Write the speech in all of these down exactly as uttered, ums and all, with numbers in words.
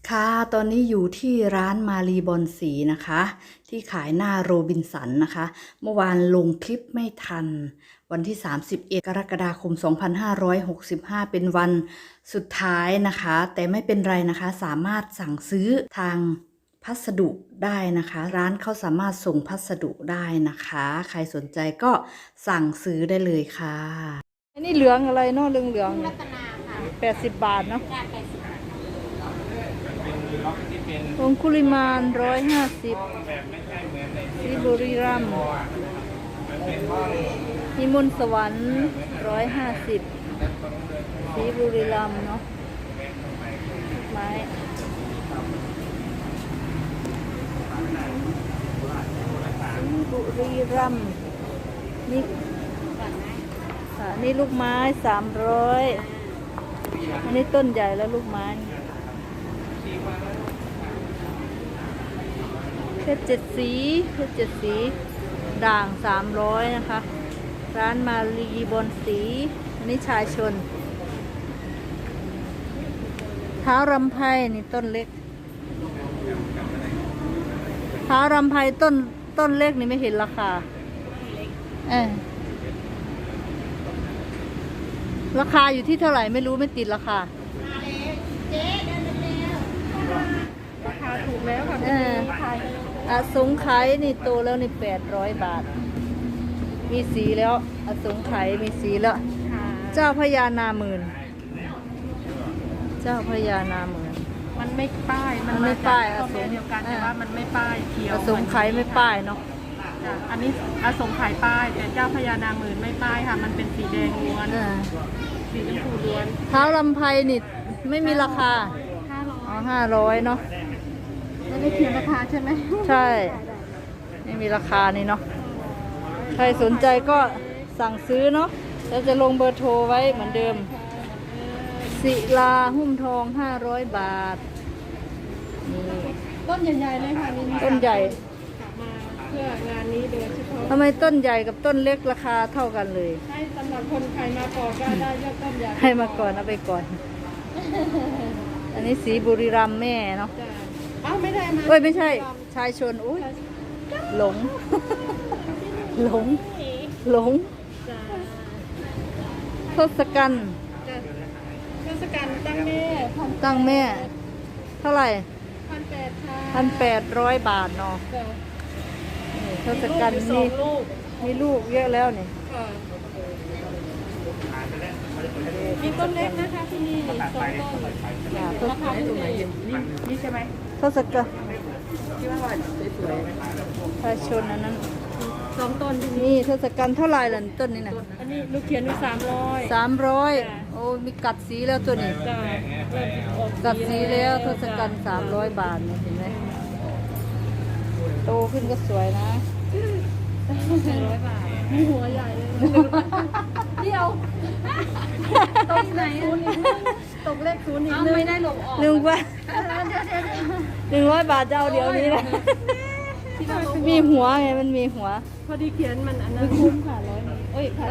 ค่ะตอนนี้อยู่ที่ร้านมารีบอนสีนะคะที่ขายหน้าโรบินสันนะคะเมื่อวานลงคลิปไม่ทันวันที่สามสิบเอ็ดกรกฎาคมสองพันห้าร้อยหกสิบห้าเป็นวันสุดท้ายนะคะแต่ไม่เป็นไรนะคะสามารถสั่งซื้อทางพัสดุได้นะคะร้านเขาสามารถส่งพัสดุได้นะคะใครสนใจก็สั่งซื้อได้เลยค่ะอันนี้เหลืองอะไรเนาะเหลืองเหลืองแปดสิบบาทเนาะองคุลิมานร้อยห้าสิบสีบุรีรัมย์พิมลสวรรค์ร้อยห้าสิบสีบุรีรัมย์เนาะไม้สีบุรีรัมย์นี่ค่ะนี่ลูกไม้สามร้อยอันนี้ต้นใหญ่แล้วลูกไม้เพชรเจ็ดสีเพชรเจ็ดสีด่างสามร้อยนะคะร้านมารีบอนสีอันนี้ชายชนเท้ารำไพนี่ต้นเล็กเท้ารำไพต้นต้นเล็กนี่ไม่เห็นราคาเออราคาอยู่ที่เท่าไหร่ไม่รู้ไม่ติดราคาเจ๊เดินเร็วราคาถูกแล้วค่ะอสงไขยนี่โตแล้วนี่แปดร้อยบาทมีสีแล้วอสงไขยมีสีแล้วเจ้าพญานาหมื่นเจ้าพญานาหมื่นมันไม่ป้ายมันไม่ป้ายอสงเดียวกันแต่ว่ามันไม่ป้ายเขียวอสงไขยไม่ป้ายเนาะอันนี้อสงไขยป้ายแต่เจ้าพญานาหมื่นไม่ป้ายค่ะมันเป็นสีแดงล้วนสีชมพูล้วนเท้าลำไพนี่ไม่มีราคาอ๋อห้าร้อยเนาะไม่ได้เขียนราคาใช่ไหมใช่ไม่มีราคานี่เนาะใครสนใจก็สั่งซื้อเนาะแล้วจะลงเบอร์โทรไว้เหมือนเดิมศิลาหุ้มทองห้าร้อยบาทต้นใหญ่ๆเลยค่ะนี่ต้นใหญ่มาเพื่องานนี้โดยเฉพาะทำไมต้นใหญ่กับต้นเล็กราคาเท่ากันเลยให้สำหรับคนใครมาก่อนก็ได้ยอดต้นใหญ่ให้มาก่อนเอาไปก่อนอันนี้สีบุรีรัมย์แม่เนาะอ้าวไม่ได้มาเอ้ยไม่ใช่ชายชนอุ้ยหลงหลงหลงทศกัณฐ์ทศกัณฐ์ตั้งแม่ตั้งแม่เท่าไหร่พันแปดค่ะพันแปดร้อยบาทเนาะทศกัณฐ์มีมีลูกเยอะแล้วนี่มีต้นเล็กนะคะที่นี่สองต้นราคาถูกไหมนี่นี่ใช่ไหมทศกัณฐ์ที่ว่าสวยๆชายชนอันนั้นสองต้นที่นี่ทศกัณฐ์เท่าไหร่ล่ะต้นนี้นะอันนี้ลูกเขียนมีสามร้อยสามร้อยโอ้มีกัดสีแล้วตัวนี้กัดสีแล้วทศกัณฐ์สามร้อยบาทเห็นไหมโตขึ้นก็สวยนะหนึ่งร้อยบาทมีหัวใหญ่เลยเดียวตกไหนตกเลขศูนย์อีกไม่ได้หลบออกหนึ่งว่าหนึ่งร้อยบาทจะเอาเดี๋ยวนี้นะมีหัวไงมันมีหัวพอดีเขียนมันอันนั้นคุ้มค่ะร้อยเอ้ยค่ะ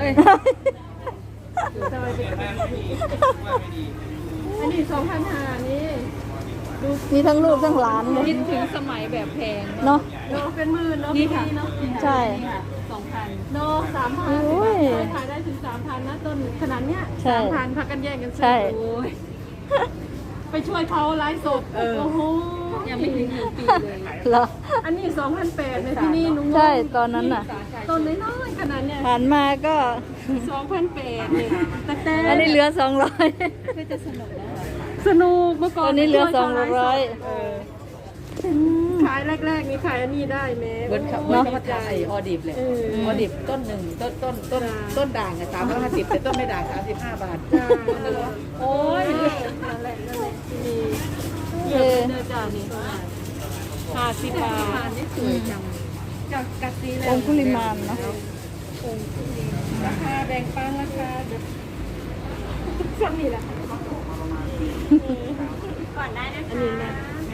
อันนี้สองพันห้านี่มีทั้งลูกทั้งหลานเลยคิดถึงสมัยแบบแพงเนาะเนาะเป็นหมื่นเนาะนี่ค่ะใช่สองพันเนาะสามพันขายได้ถึงสามพันนะต้นขนาดเนี้ยสามพันพักกันแย่งกันซื้อโอ้ยไปช่วยเขาไลฟ์สดโอ้โหยังไม่ถึงหนึ่งปีเลยเหรออันนี้สองพันแปดในที่นี่นุ้งใช่ตอนนั้นน่ะต้นน้อยๆขนาดเนี้ยผ่านมาก็สองพันแปดเนี่ยแต่แต่อันนี้เหลือสองร้อยก็จะสนุกแล้วสนุกเมื่อก่อนอันนี้เหลือสองร้อยขายแรกๆนี่ขายอันนี้ได้ไหมเบิร์ดเบิร์ดเขาถ่ายออดิบเลยออดิบต้นหนึ่งต้นต้นต้นต้นด่างอะสามร้อยห้าสิบแต่ต้นไม่ด่างสามสิบห้าบาทโอ้ยนั่นแหละนั่นแหละนี่เยอะเนื้อจ่านี่ห้าสิบบาทนี่สวยจังจากกัดซีแล้วองคุลิมานเนาะราคาแบ่งปันราคาสักนี่แหละก่อนได้นะคะอันนี้นะ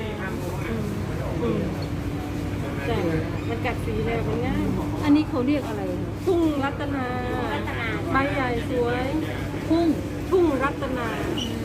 แต่มันกัดสีแล้วมันง่ายอันนี้เขาเรียกอะไรทุ่งรัตนาใบใหญ่สวยทุ่งทุ่งรัตนา